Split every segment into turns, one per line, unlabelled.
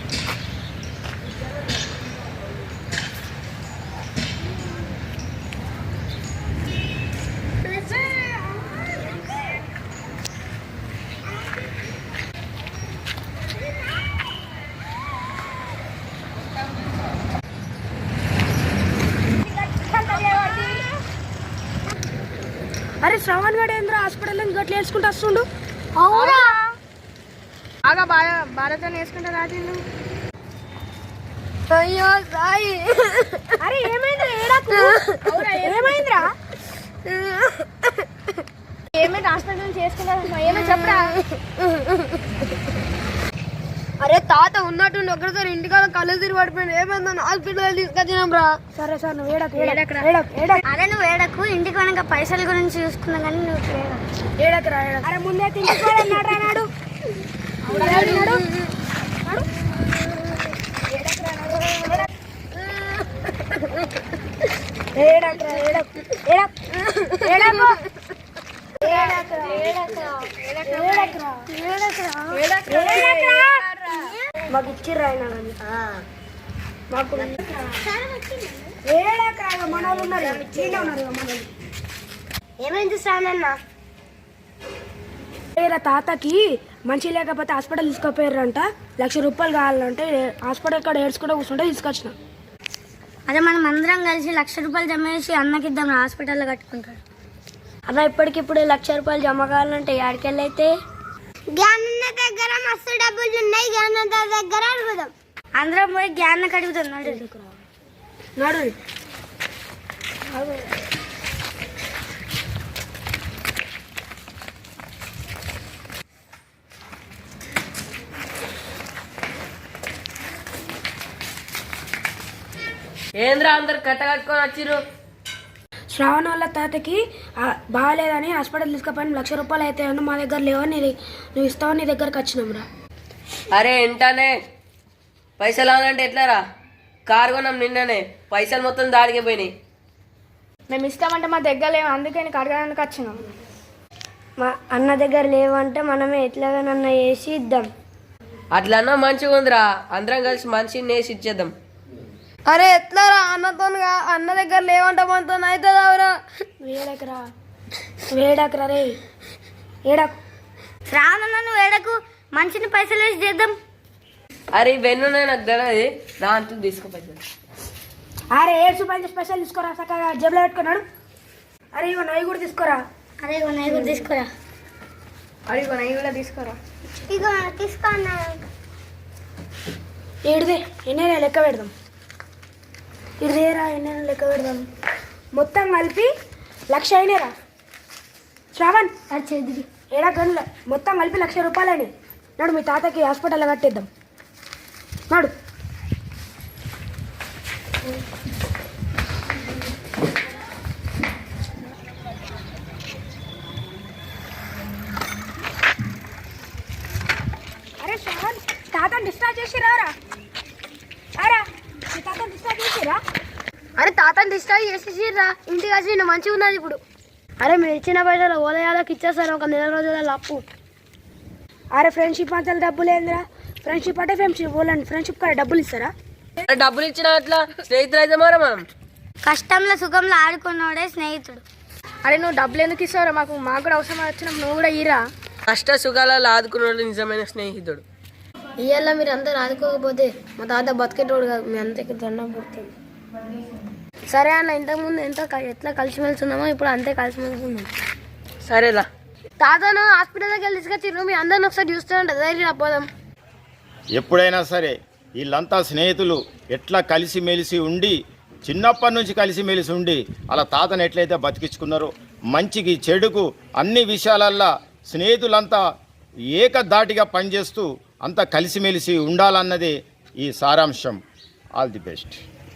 అరే శ్రవణ్ గడ ఏంద్ర హాస్పిటల్ గట్ల వేసుకుంటూ వస్తుండు.
అవునా బాగా భారత వేసుకుంటా రాజు.
అయ్యో సాయి.
అరే ఏమైందిరా ఏడాకు? ఏమైందిరా? ఏమైంది హాస్పిటల్ నుంచి వేసుకున్నా ఏమైనా చెప్పరా?
అరే తాత ఉన్నట్టుండి ఒకరిసారి ఇంటికాడ కళ్ళు తిరిగి పడిపోయింది. ఏమైందని హాస్పిటల్ తీసుకొచ్చినాం రా. సరే సార్ నువ్వు
అరే నువ్వు ఏడకు, ఇంటికి వెనక పైసల గురించి చూసుకున్నా కానీ నువ్వు
ఏడకరా.
అరే ముందే తింటున్నాడు.
మాకు ఇచ్చిర్రా అయినా కానీ మాకు మనోళ్ళు ఉన్నారు.
ఏమైంది శ్రావణన్న?
తాతకి మంచి లేకపోతే హాస్పిటల్ తీసుకుపోయారంట. 1,00,000 రూపాయలు కావాలంటే హాస్పిటల్ కాడ ఏడ్చుకుంటూ కూర్చుంటే తీసుకొచ్చిన.
అదే మనం అందరం కలిసి 1,00,000 రూపాయలు జమ చేసి అన్నకిద్దాం, హాస్పిటల్లో కట్టుకుంటాడు.
అన్న ఇప్పటికిప్పుడు 1,00,000 రూపాయలు జమ కావాలంటే ఎక్కడికెళ్ళి అయితే?
జ్ఞానన్న దగ్గర మస్తు డబ్బులు ఉన్నాయి, జ్ఞానన్న దగ్గర అడుగుదాం. అందరం పోయి జ్ఞానకి అడుగుతాం.
నడు
ఏంద్రా అందరు కట్టకట్టుకొని వచ్చిర్రు?
శ్రావణ వాళ్ళ తాతకి బాగాలేదని హాస్పిటల్ తీసుకుపోయిన 1,00,000 రూపాయలు అయితే మా దగ్గర లేవని నువ్వు ఇస్తావని నీ దగ్గరకు వచ్చినాం రా.
అరే ఎంటానే పైసలు అనంటే ఎట్లారా? కారు కొన్నాం నిన్ననే, పైసలు మొత్తం దాడికి పోయినాయి.
మేము ఇస్తామంటే మా దగ్గర లేవు, అందుకే నీకు అడగడానికి వచ్చినాం.
మా అన్న దగ్గర లేవంటే మనమే ఎట్లాగానన్నా వేసి ఇద్దాం.
అట్లన్నా మంచిగా ఉందిరా, అందరం కలిసి మనిషిని వేసి ఇచ్చేద్దాం.
అరే ఎట్లారా అన్నతోనుగా? అన్న దగ్గర లేవంట మనతో అవుతుందావురా. వేడకరా రే ఏడకు.
శ్రావణ నువ్వు ఏడకు, మంచిని పైసలు వేసి చేద్దాం.
అరే ఇవన్నీ నాకు తెలియదు, దాంతో తీసుకుపోతాను.
అరే 7 రూపాయలు స్పెషల్ తీసుకోరా, చక్కగా జేబులో పెట్టుకున్నాడు. అరే ఇగో నవి కూడా తీసుకోరా.
అరే ఇగో నవి కూడా తీసుకోరా.
అరే ఇగో నవి కూడా తీసుకోరా.
ఇగో తీసుకో.
ఏడుదే ఎన్నైనా లెక్క పెడదాం. ఇదేరా ఎన్నైనా లెక్క పెడదాం. మొత్తం కలిపి 1,00,000 అయినారా శ్రావణ్?
అది చేద్ది
ఏడా గనుల మొత్తం కలిపి 1,00,000 రూపాయలని. నాడు మీ తాతకి హాస్పిటల్లో కట్టేద్దాం. నాడు అరే శ్రావణ్ తాతని డిశ్చార్జ్ చేసిరారా? అరా మీ తాతని డిశ్చార్జ్ చేసిరా?
అరే తాతని డిశ్చార్జ్ చేసేసిర్రా, ఇంటికి వచ్చి నేను మంచిగా ఉన్నది ఇప్పుడు.
అరే మీరు ఇచ్చిన పైసలు ఓదయాలకు ఇచ్చేస్తారు ఒక 1 రోజుల అప్పు. అరే ఫ్రెండ్షిప్ అంతా డబ్బులు ఏందిరా? ఫ్రెండ్షిప్ అంటే ఫ్రెండ్షిప్ కాడ డబ్బులు ఇస్తారా?
డబ్బులు ఇచ్చిన అట్లా స్నేహితులు అయితే మారా మనం.
కష్టంలో సుఖంలో ఆడుకున్నాడే స్నేహితుడు.
అరే నువ్వు డబ్బులు ఎందుకు ఇస్తావురా? మాకు కూడా అవసరం వచ్చినప్పుడు నువ్వు కూడా ఇరా.
కష్ట సుఖాలలో ఆదుకున్నాడు నిజమైన స్నేహితుడు.
ఇవాళ మీరు అందరు ఆదుకోకపోతే మా తాత బతికేటోడు కాదు. మీ అంతకి దండం పడుతుంది. సరే అన్న, ఇంతకుముందు ఎట్లా కలిసిమెలిసి ఉన్నామో ఇప్పుడు అంతే కలిసిమెలిసి ఉన్నాం.
సరేలా.
తాతను హాస్పిటల్ దగ్గర తీసుకొచ్చి మీ అందరిని ఒకసారి చూస్తుంటే ధైర్యం పోదాం.
ఎప్పుడైనా సరే వీళ్ళంతా స్నేహితులు ఎట్లా కలిసిమెలిసి ఉండి, చిన్నప్పటి నుంచి కలిసిమెలిసి ఉండి అలా తాతను ఎట్లయితే బతికించుకున్నారో, మంచికి చెడుకు అన్ని విషయాలల్లో స్నేహితులంతా ఏకధాటిగా పనిచేస్తూ అంతా కలిసిమెలిసి ఉండాలన్నదే ఈ సారాంశం. All the best.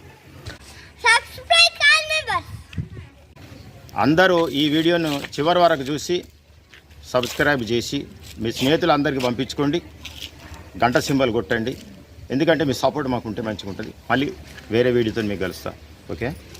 అందరూ ఈ వీడియోను చివరి వరకు చూసి సబ్స్క్రైబ్ చేసి మీ స్నేహితులందరికీ పంపించుకోండి. గంట సింబల్ కొట్టండి, ఎందుకంటే మీ సపోర్ట్ మాకు ఉంటే మంచిగా ఉంటుంది. మళ్ళీ వేరే వీడియోతో మీకు కలుస్తా. ఓకే.